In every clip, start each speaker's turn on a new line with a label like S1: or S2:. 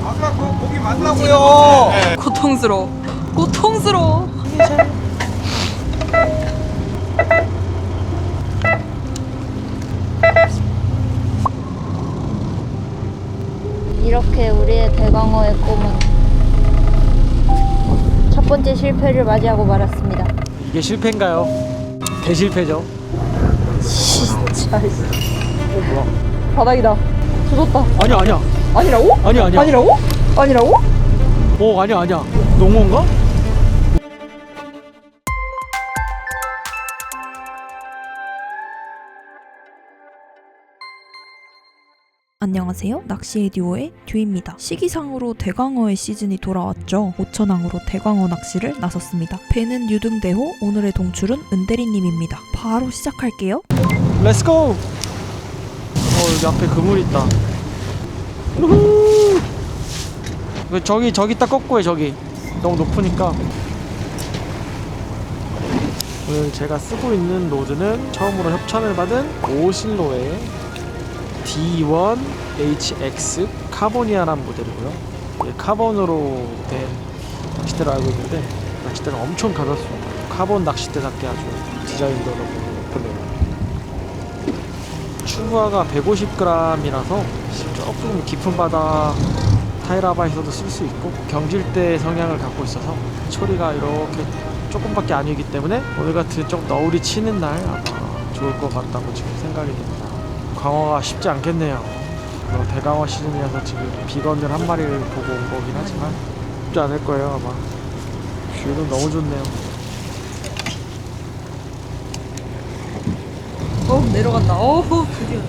S1: 아까 그 고기 맞다고요.
S2: 고통스러워. 고통스러워.
S3: 이렇게 우리의 대광어의 꿈은 첫 번째 실패를 맞이하고 말았습니다.
S4: 이게 실패인가요? 대실패죠.
S3: 진짜.
S4: 뭐야?
S3: 바닥이다. 조졌다.
S4: 아니야.
S3: 아니라고?
S4: 아니야.
S3: 아니라고? 아니라고?
S4: 아니야. 농어인가?
S2: 안녕하세요. 낚시의 듀오의 듀입니다. 시기상으로 대광어의 시즌이 돌아왔죠. 오천항으로 대광어 낚시를 나섰습니다. 배는 유등대호, 오늘의 동출은 은대리님입니다. 바로 시작할게요.
S4: 렛츠고! 여기 앞에 그물 있다. 우후! 저기 딱 꺾고 해. 저기 너무 높으니까. 오늘 제가 쓰고 있는 로드는 처음으로 협찬을 받은 오실로의 D1HX 카보니아라는 모델이고요. 이게 카본으로 된 낚싯대로 알고 있는데 낚싯대는 엄청 가볍습니다. 카본 낚싯대답게 아주 디자인도 너무 예쁘네요. 추구화가 150g이라서 조금 깊은 바다 타이라바에서도 쓸 수 있고 경질대 성향을 갖고 있어서 초리가 이렇게 조금밖에 아니기 때문에 오늘 같은 좀 너울이 치는 날 아마 좋을 것 같다고 지금 생각이 됩니다. 광어가 쉽지 않겠네요. 대광어 시즌이어서 지금 비건들 한 마리를 보고 온 거긴 하지만 쉽지 않을 거예요 아마. 뷰는 너무 좋네요.
S2: 내려간다. 드디어.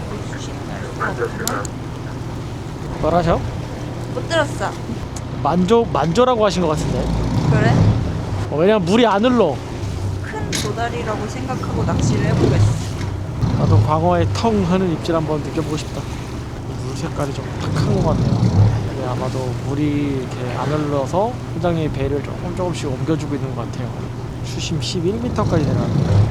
S4: 뭐라셔?
S2: 못 들었어.
S4: 만조라고 하신 것 같은데.
S2: 그래?
S4: 왜냐면 물이 안 흘러.
S2: 큰 도다리라고 생각하고 낚시를 해보겠어.
S4: 나도 광어의 텅 하는 입질 한번 느껴보고 싶다. 물 색깔이 좀 탁한 것 같네요. 근데 아마도 물이 이렇게 안 흘러서 회장님이 배를 조금씩 옮겨주고 있는 것 같아요. 수심 11m까지 내려왔네요.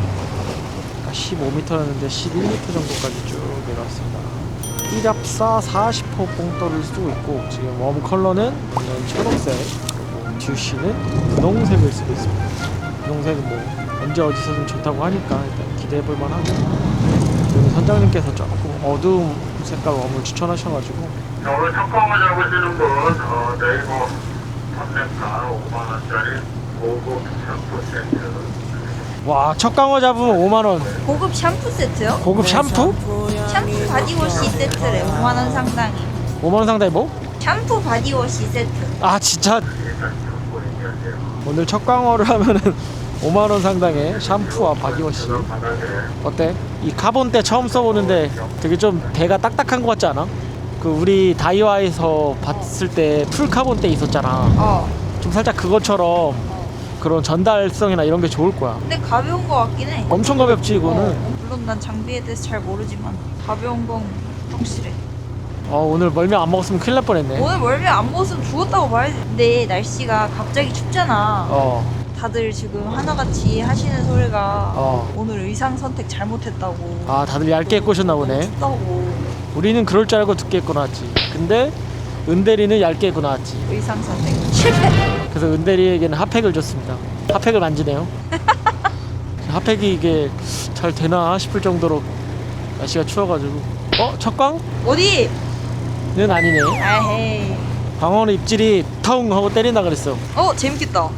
S4: 15m였는데 11m 정도까지 쭉 내려왔습니다. 띠랍사 40호 봉돌을 쓰고 있고 지금 웜 컬러는 초록색, 그리고 듀씨는 분홍색을 쓰고 있습니다. 분홍색은 뭐 언제 어디서든 좋다고 하니까 일단 기대해볼만 하고, 여기 선장님께서 조금 어두운 색깔 웜을 추천하셔가지고.
S5: 오늘 첫 광어 잡으시는 분 네이버 판매가 5만원짜리 고급 샴푸 세트.
S4: 와, 첫 광어 잡으면 5만원.
S2: 고급 샴푸 세트요?
S4: 고급 샴푸?
S2: 샴푸 바디워시 세트래. 5만원 상당이.
S4: 5만원 상당히 뭐?
S2: 샴푸 바디워시 세트.
S4: 아 진짜. 오늘 첫 광어를 하면은 5만원 상당의 샴푸와 바디워시. 어때? 이 카본때 처음 써보는데 되게 좀 배가 딱딱한 것 같지 않아? 그 우리 다이와에서 봤을 때 풀 카본때 있었잖아. 좀 살짝 그것처럼 그런 전달성이나 이런 게 좋을 거야.
S2: 근데 가벼운 거 같긴 해.
S4: 엄청 가볍지 이거는.
S2: 물론 난 장비에 대해서 잘 모르지만 가벼운 건 확실해.
S4: 오늘 멀미 안 먹었으면 큰일 날 뻔했네.
S2: 오늘 멀미 안 먹었으면 죽었다고 봐야지. 근데 날씨가 갑자기 춥잖아. 다들 지금 하나같이 하시는 소리가 오늘 의상 선택 잘못했다고.
S4: 아, 다들 얇게 꼬셨나 보네.
S2: 춥다고.
S4: 우리는 그럴 줄 알고 두께 입고 나왔지. 근데 은대리는 얇게 입고 나왔지.
S2: 의상 선택 실패.
S4: 그래서 은대리에게는 핫팩을 줬습니다. 핫팩을 만지네요. 핫팩이 이게 잘 되나 싶을 정도로 날씨가 추워가지고. 첫광?
S2: 어디?
S4: 는 아니네.
S2: 아헤이.
S4: 광어는 입질이 텅 하고 때린다 그랬어.
S2: 재밌겠다.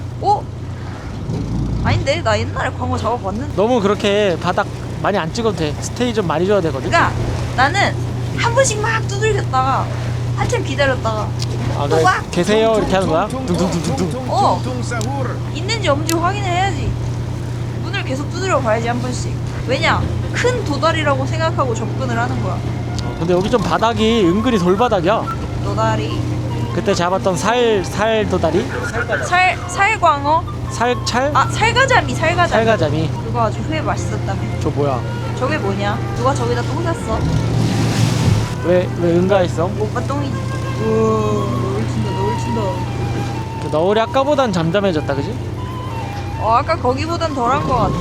S2: 아닌데 나 옛날에 광어 잡아봤는데.
S4: 너무 그렇게 바닥 많이 안 찍어도 돼. 스테이 좀 많이 줘야 되거든.
S2: 그러니까 나는 한 번씩 막 두들겼다가 한참 기다렸다가 또
S4: 그래.
S2: 막
S4: 계세요 이렇게 하는 거야? 둥둥둥둥둥.
S2: 있는지 없는지 확인을 해야지. 문을 계속 두드려 봐야지 한 번씩. 왜냐? 큰 도다리라고 생각하고 접근을 하는 거야.
S4: 근데 여기 좀 바닥이 은근히 돌바닥이야.
S2: 도다리.
S4: 그때 잡았던 살 도다리?
S2: 살광어?
S4: 살찰?
S2: 살가자미.
S4: 살가자미.
S2: 그거 아주 회 맛있었다며.
S4: 저 뭐야?
S2: 저게 뭐냐? 누가 저기다 똥 쌌어?
S4: 왜 응가했어?
S2: 오빠 똥이지. 너울 친다.
S4: 너울이 아까보단 잠잠해졌다 그지?
S2: 아까 거기보단 덜한 거 같아.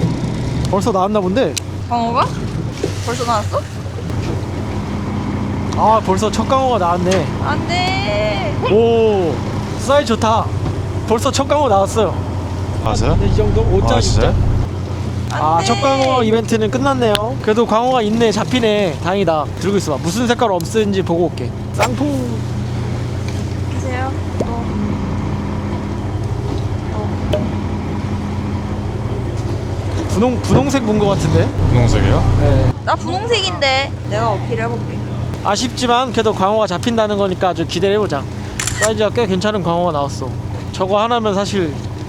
S4: 벌써 나왔나 본데?
S2: 광어가? 벌써 나왔어?
S4: 아 벌써 첫 광어가 나왔네.
S3: 안돼.
S4: 오 사이즈 좋다. 벌써 첫 광어 나왔어요.
S6: 맞아요?
S4: 이 정도 5자
S6: 아, 진짜요?
S4: 6자. 아, 첫 광어 이벤트는 끝났네요. 그래도 광어가 있네. 잡히네. 다행이다. 들고 있어봐. 무슨 색깔 없는지 보고 올게. 쌍풍.
S3: 보세요.
S4: 분홍색 문 것 같은데?
S6: 분홍색이요?
S4: 네.
S3: 나 분홍색인데 내가 어필해볼게.
S4: 아쉽지만 그래도 광어가 잡힌다는 거니까 아주 기대를 해보자. 사이즈가 꽤 괜찮은 광어가 나왔어. 저거 하나면 사실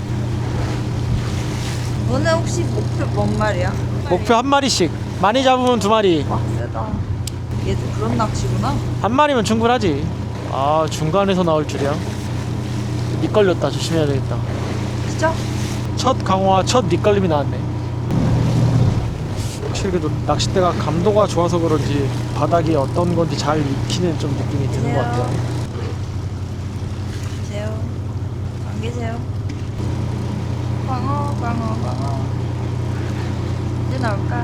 S3: 너는 혹시 목표 뭔 말이야?
S4: 목표 한 마리씩. 많이 잡으면 2마리.
S3: 와 세다. 얘도 그런 낚시구나.
S4: 한 마리면 충분하지. 아 중간에서 나올 줄이야. 미끌렸다. 조심해야 되겠다.
S3: 진짜?
S4: 첫 강화와 첫 밑걸림이 나왔네. 확실히 그래도 낚싯대가 감도가 좋아서 그런지 바닥이 어떤 건지 잘 익히는 좀 느낌이 드는 것 같아요.
S3: 계세요. 안 계세요? 광어. 언제 나올까?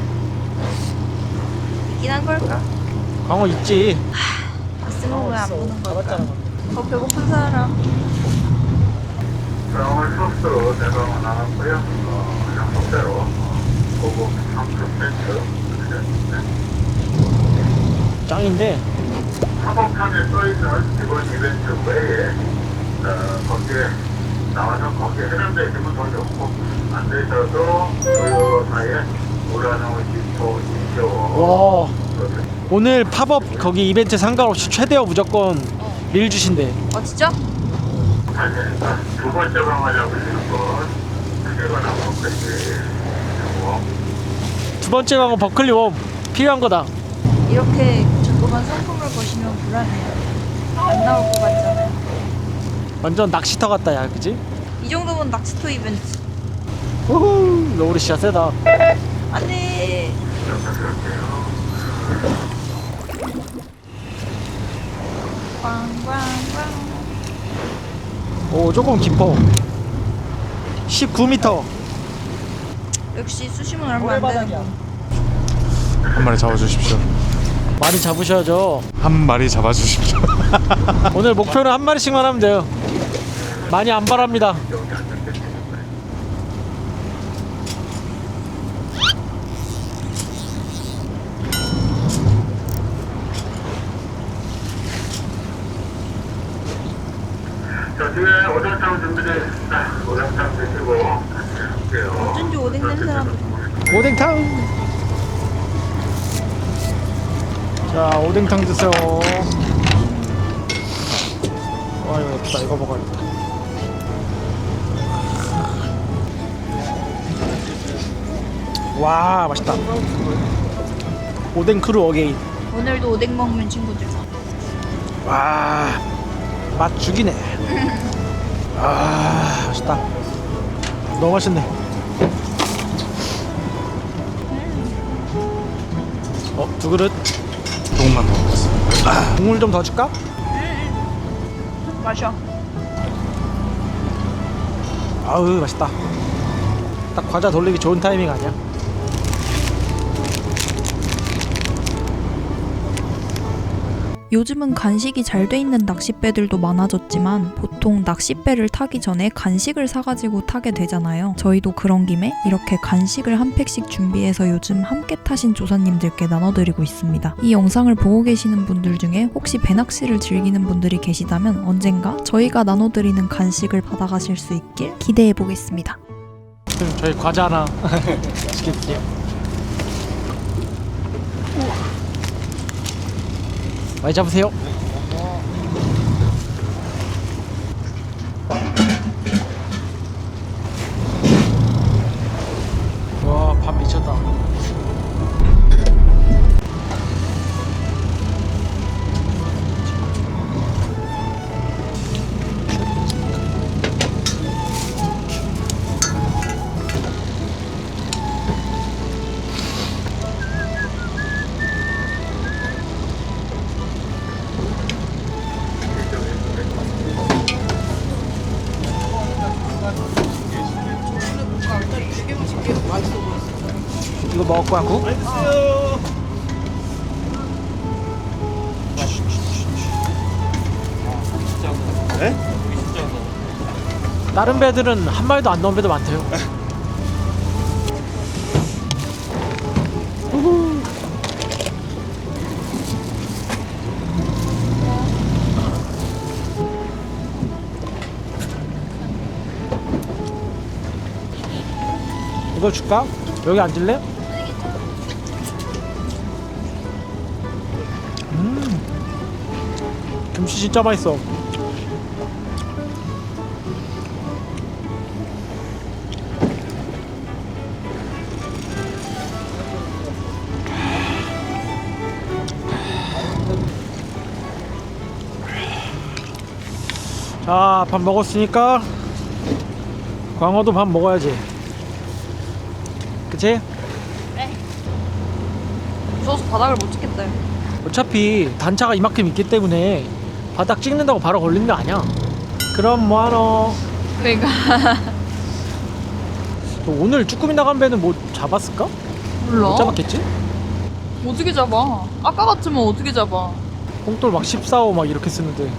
S3: 있긴 한 걸까?
S4: 광어 있지.
S3: 봤으면 왜 안 보는 걸까? 배고픈 사람.
S5: 병을 소스로 대강은 나왔고요. 약속대로 고급 상품 세트 드렸습니다.
S4: 짱인데
S5: 사법판에 써있는 이번 이벤트 외에 거기에 나와서 거기에 해당되어 있으면 더 좋고 안 되셔도 그 사이에 우라노 지포 인조
S4: 와 오늘 팝업 거기 이벤트 상관없이 최대어 무조건 릴 주신대.
S3: 아 진짜?
S5: 할 테니까 두 번째 방어 잡으시는 건 크게가 나올 것이
S4: 두 번째 광어 버클리 웜 필요한 거다.
S3: 이렇게 자꾸만 상품을 거시면 불안해요. 안 나올 것 같잖아요.
S4: 완전 낚시터 같다 야 그지?
S3: 이 정도면 낚시토 이벤트.
S4: 우후 노을이 진짜 세다.
S3: 안돼. 꽝꽝꽝.
S4: 오 조금 깊어. 19m.
S3: 역시 수심은 얼마 안 되는 거.
S6: 한 마리 잡아주십시오.
S4: 많이 잡으셔야죠.
S6: 한 마리 잡아주십시오.
S4: 오늘 목표는 한 마리씩만 하면 돼요. 많이 안 바랍니다.
S5: 자, 뒤에 오뎅탕 준비되어 있습니다. 오뎅탕 드시고 할게요.
S3: 어쩐지 오뎅 냄새 나는.
S4: 오뎅탕. 자 오뎅탕 드세요. 와 이거 예쁘다. 이거 먹어야겠다. 와 맛있다. 오뎅 크루 어게인.
S3: 오늘도 오뎅 먹는 친구들.
S4: 와 맛 죽이네. 아 맛있다. 너무 맛있네. 두 그릇.
S6: 조금만 더 먹겠습니다.
S4: 국물 좀 더 줄까?
S3: 마셔.
S4: 아우 맛있다. 딱 과자 돌리기 좋은 타이밍 아니야?
S2: 요즘은 간식이 잘 돼 있는 낚싯배들도 많아졌지만 보통 낚싯배를 타기 전에 간식을 사가지고 타게 되잖아요. 저희도 그런 김에 이렇게 간식을 한 팩씩 준비해서 요즘 함께 타신 조사님들께 나눠드리고 있습니다. 이 영상을 보고 계시는 분들 중에 혹시 배낚시를 즐기는 분들이 계시다면 언젠가 저희가 나눠드리는 간식을 받아가실 수 있길 기대해보겠습니다.
S4: 저희 과자 하나 시킬게요. 많이 잡으세요. 와, 밥 미쳤다. 이거 먹을 거야, 국?
S6: 네?
S4: 다른 배들은 한 마리도 안 나온 배도 많대요. 우후. 이거 줄까? 여기 앉을래? 김치 진짜 맛있어. 자, 밥 먹었으니까 광어도 밥 먹어야지. 그치?
S3: 무서워서 바닥을 못 찍겠다.
S4: 어차피 단차가 이만큼 있기 때문에 바닥 찍는다고 바로 걸리는 거 아니야. 그럼 뭐하노?
S3: 그러니까
S4: 오늘 쭈꾸미 나간 배는 뭐 잡았을까?
S3: 몰라.
S4: 못 잡았겠지?
S3: 어떻게 잡아? 아까 같으면 어떻게 잡아?
S4: 홍돌 막 14호 막 이렇게 쓰는데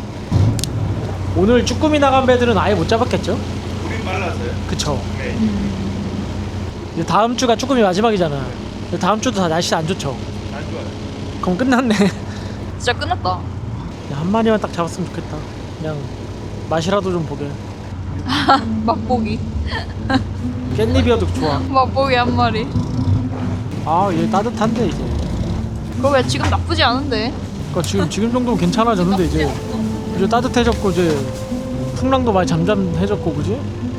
S4: 오늘 쭈꾸미 나간 배들은 아예 못 잡았겠죠?
S6: 우린 말라서요?
S4: 그쵸.
S6: 네.
S4: 이제 다음 주가 쭈꾸미 마지막이잖아. 근데 다음 주도 다 날씨 안 좋죠.
S6: 안 좋아요.
S4: 그럼 끝났네.
S3: 진짜 끝났다.
S4: 그냥 한 마리만 딱 잡았으면 좋겠다. 그냥 맛이라도 좀 보게.
S3: 맛보기.
S4: 깻잎이어도 좋아.
S3: 맛보기 한 마리.
S4: 아, 얘 따뜻한데 이제.
S3: 그거 왜 지금 나쁘지 않은데?
S4: 그러니까 지금 정도면 괜찮아졌는데 이제 따뜻해졌고 이제 풍랑도 많이 잠잠해졌고 그지?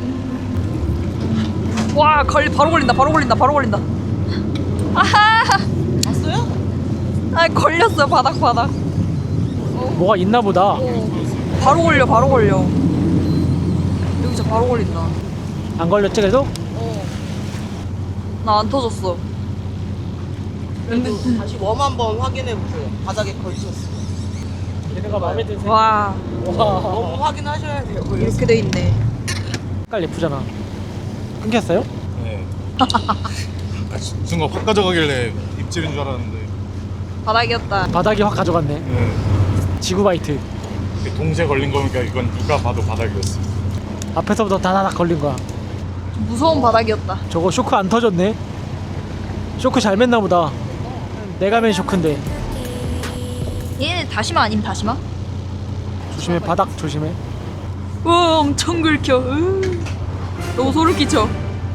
S3: 와, 바로 걸린다. 바로 걸린다. 아하!
S1: 왔어요?
S3: 아, 걸렸어. 바닥.
S4: 뭐가 있나 보다.
S3: 바로 걸려. 여기서 바로 걸린다.
S4: 안 걸렸지 그래도?
S3: 나 안 터졌어.
S1: 그래도 다시 웜 한번 확인해 보세요. 바닥에 걸쳤어.
S4: 얘네가 마음에 드세요?
S3: 와,
S1: 웜 확인하셔야 돼요.
S3: 이렇게 돼 있네.
S4: 색깔 예쁘잖아. 끊겼어요?
S6: 네. 아까 순간 확 가져가길래 입질인 줄 알았는데.
S3: 바닥이었다.
S4: 바닥이 확 가져갔네.
S6: 네.
S4: 지구바이트.
S6: 동시에 걸린 거니까 이건 누가 봐도 바닥이었어.
S4: 앞에서부터 다다닥 걸린 거야.
S3: 무서운 바닥이었다.
S4: 저거 쇼크 안 터졌네. 쇼크 잘 맸나 보다. 내가 맨 쇼크인데.
S3: 얘네 다시마 아님 다시마?
S4: 조심해, 바닥 조심해.
S3: 와, 엄청 긁혀. 너무 소름 끼쳐.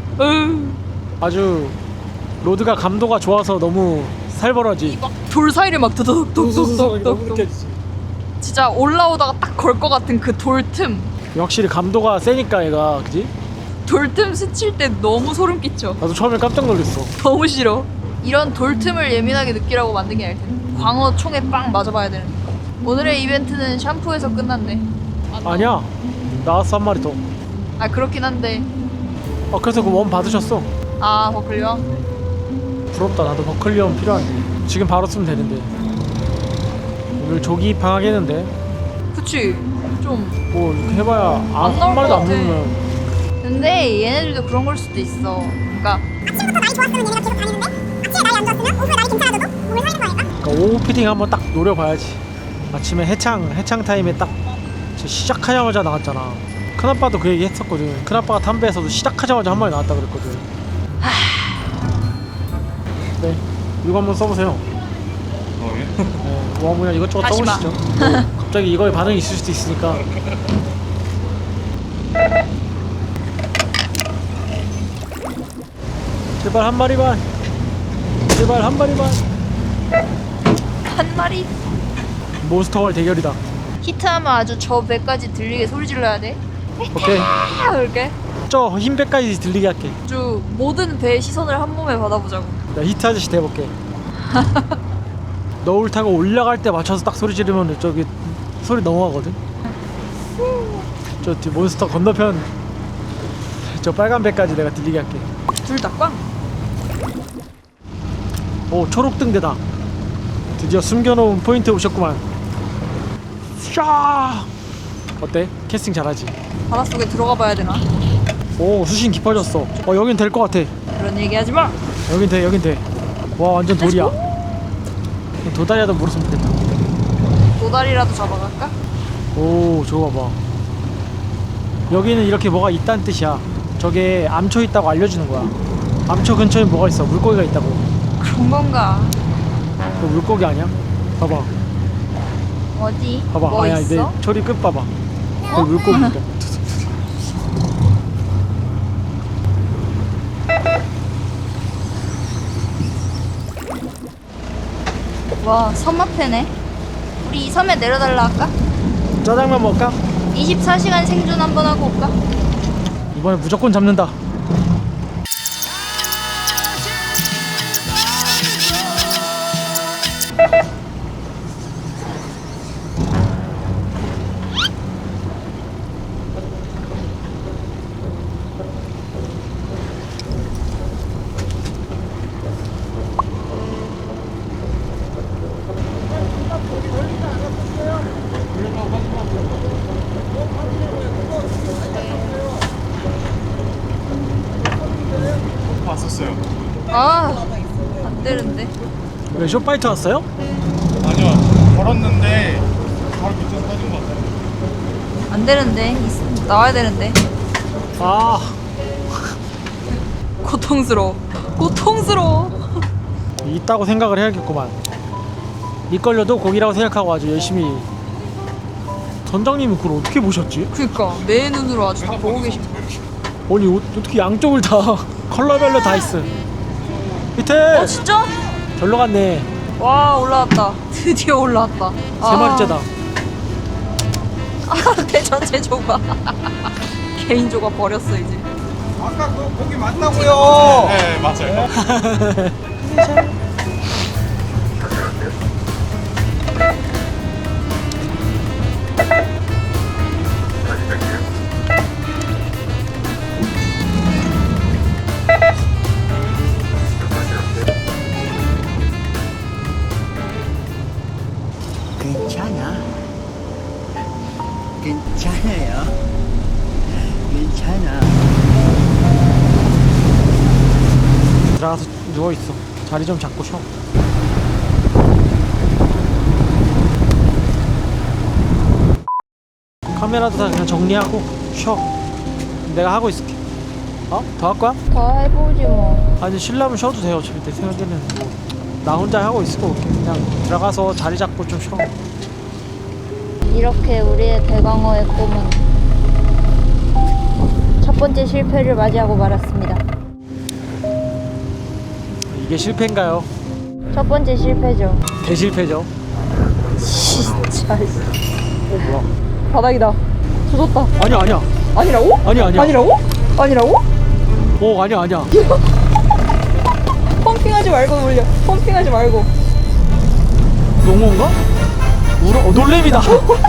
S4: 아주 로드가 감도가 좋아서 너무 살벌하지.
S3: 돌 사이를 막 두둑둑둑둑둑. 진짜 올라오다가 딱 걸 것 같은 그 돌 틈.
S4: 확실히 감도가 세니까 얘가 그지?
S3: 돌 틈 스칠 때 너무 소름 끼쳐.
S4: 나도 처음에 깜짝 놀랐어.
S3: 너무 싫어. 이런 돌 틈을 예민하게 느끼라고 만든 게 아닐 텐데. 광어 총에 빵 맞아봐야 되는. 오늘의 이벤트는 샴푸에서 끝났네.
S4: 아니야, 나왔어 한 마리 더.
S3: 아, 그렇긴 한데.
S4: 그래서 그 원 받으셨어.
S3: 아, 버클리와?
S4: 부럽다. 나도 버클리엄 필요한데 지금 바로 쓰면 되는데. 오늘 조기 입항하겠는데.
S3: 그치. 좀.
S4: 뭐 이렇게 해봐야
S3: 안 나올
S4: 한 마리도
S3: 것
S4: 안
S3: 같아.
S4: 먹으면.
S3: 근데 얘네들도 그런 걸 수도 있어. 그러니까
S4: 그러니까 오후 피딩 한번 딱 노려봐야지. 아침에 해창 타임에 딱 시작하자마자 나왔잖아. 큰아빠도 그 얘기 했었거든. 큰아빠가 담배에서도 시작하자마자 한 마리 나왔다 그랬거든. 네, 이거 한번 써보세요.
S6: 예?
S4: 네, 뭐 그냥 이것저것
S3: 다시 마.
S4: 써보시죠. 뭐 갑자기 이거에 반응이 있을 수도 있으니까. 제발 한 마리만. 제발 한 마리만.
S3: 한 마리?
S4: 몬스터월 대결이다.
S3: 히트하면 아주 저 배까지 들리게 소리 질러야 돼.
S4: 오케이.
S3: 이렇게
S4: 저 흰 배까지 들리게 할게.
S3: 아주 모든 배의 시선을 한 몸에 받아보자고.
S4: 나 히트 아저씨 돼볼게. 너울 타고 올라갈 때 맞춰서 딱 소리 지르면 저기 소리 넘어가거든. 저 뒤 몬스터 건너편 저 빨간 배까지 내가 들리게 할게.
S3: 둘 다 꽝.
S4: 오, 초록등대다. 드디어 숨겨놓은 포인트 오셨구만. 샤. 어때? 캐스팅 잘하지?
S3: 바닷속에 들어가 봐야 되나?
S4: 오, 수심 깊어졌어. 여긴 될 것 같아.
S3: 그런 얘기 하지 마.
S4: 여긴 돼. 와, 완전 돌이야. 도다리라도 물었으면 좋겠다.
S3: 도다리라도 잡아갈까?
S4: 오, 저거 봐봐. 여기는 이렇게 뭐가 있다는 뜻이야. 저게 암초 있다고 알려주는 거야. 암초 근처에 뭐가 있어? 물고기가 있다고.
S3: 그런 건가?
S4: 그 물고기 아니야? 봐봐.
S3: 어디?
S4: 봐봐.
S3: 뭐
S4: 아니야,
S3: 있어?
S4: 내 초리 끝 봐봐. 그 물고기 있다.
S3: 와, 섬마패네. 우리 이 섬에 내려달라 할까?
S4: 짜장면 먹을까?
S3: 24시간 생존 한번 하고 올까?
S4: 이번에 무조건 잡는다.
S6: 봤었어요.
S3: 아, 안 되는데.
S4: 왜 쇼파이트 왔어요?
S6: 아니요, 걸었는데 바로 밑에서 터진 것 같아요.
S3: 안 되는데. 나와야 되는데.
S4: 아,
S3: 고통스러워. 고통스러워.
S4: 있다고 생각을 해야겠구만. 밑걸려도 고기라고 생각하고 아주 열심히. 선장님은 그걸 어떻게 보셨지?
S3: 그니까 내 눈으로 아주 다 보고 계신 거.
S4: 아니 어떻게 양쪽을 다 컬러별로 다 있어. 밑에
S3: 어, 진짜?
S4: 절로 갔네.
S3: 와, 올라왔다. 드디어 올라왔다.
S4: 세 마리째다.
S3: 아, 내 전체 조각. 개인 조각 버렸어 이제.
S7: 아까 그 고기 맞다고요.
S6: 네, 맞아요.
S7: 괜찮아. 괜찮아요. 괜찮아.
S4: 들어가서 누워있어. 자리 좀 잡고 쉬어. 카메라도 다 그냥 정리하고 쉬어. 내가 하고 있을게. 어? 더 할 거야?
S3: 더 해보지 뭐.
S4: 아니 쉬려면 쉬어도 돼요. 어차피 내 생각에는 뭐, 나 혼자 하고 있을 거 같게. 그냥 들어가서 자리 잡고 좀 쉬어.
S3: 이렇게 우리의 대광어의 꿈은 첫 번째 실패를 맞이하고 말았습니다.
S4: 이게 실패인가요?
S3: 첫 번째 실패죠.
S4: 대실패죠.
S3: 진짜.
S4: 뭐야?
S3: 바닥이다. 조졌다.
S4: 아니야.
S3: 아니라고?
S4: 아니야.
S3: 아니라고? 아니라고?
S4: 아니야.
S3: 펌핑하지 말고 놀려. 펌핑하지 말고.
S4: 농어인가? 놀래미다.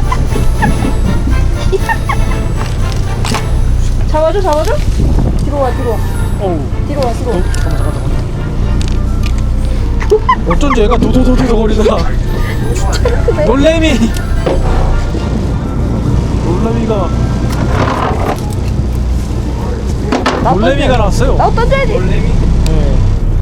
S3: 잡아줘. 뒤로 와.
S4: 어우.
S3: 뒤로 와.
S4: 잠깐만. 어쩐지 얘가 도도도도 거리다. 놀래미가 나왔어요.
S3: 나 던져야지.
S4: 네.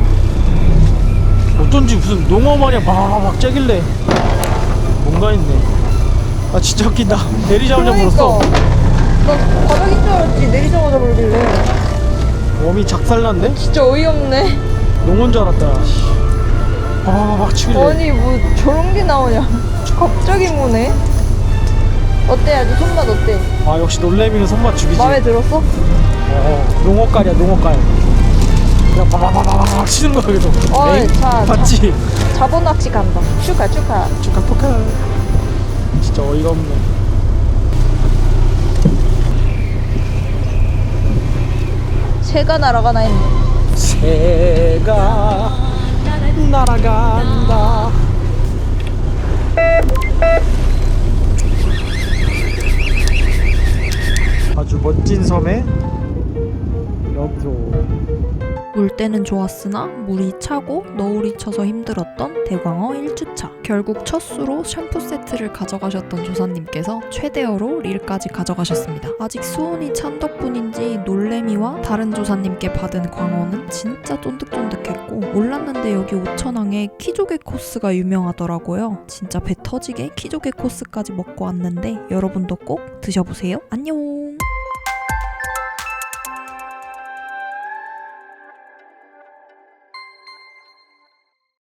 S4: 어쩐지 무슨 농어 마냥 막 째길래 뭔가 있네. 아 진짜 웃긴다. 내리자마자 물었어.
S3: 나 바닥인 줄 알았지. 내리자마자 물길래.
S4: 몸이 작살났네?
S3: 진짜 어이없네.
S4: 농어인 줄 알았다. 막 치길래.
S3: 아니 뭐 저런 게 나오냐. 갑자기 무네. 어때? 아주 손맛 어때?
S4: 아 역시 놀래미는 손맛 죽이지.
S3: 마음에 들었어?
S4: 농어깔이야. 그냥 바바바바박 치는 거야 계속.
S3: 어이, 자,
S4: 맞지?
S3: 자본 낚시 간다. 축하.
S4: 축하. 진짜 어이가 없네.
S3: 새가 날아가나 했네.
S4: 새가 날아간다. 아주 멋진 섬에 여기서
S2: 물때는 좋았으나 물이 차고 너울이 쳐서 힘들었던 대광어 1주차. 결국 첫 수로 샴푸 세트를 가져가셨던 조사님께서 최대어로 릴까지 가져가셨습니다. 아직 수온이 찬 덕분인지 놀래미와 다른 조사님께 받은 광어는 진짜 쫀득쫀득했고, 몰랐는데 여기 오천항에 키조개 코스가 유명하더라고요. 진짜 배 터지게 키조개 코스까지 먹고 왔는데 여러분도 꼭 드셔보세요. 안녕.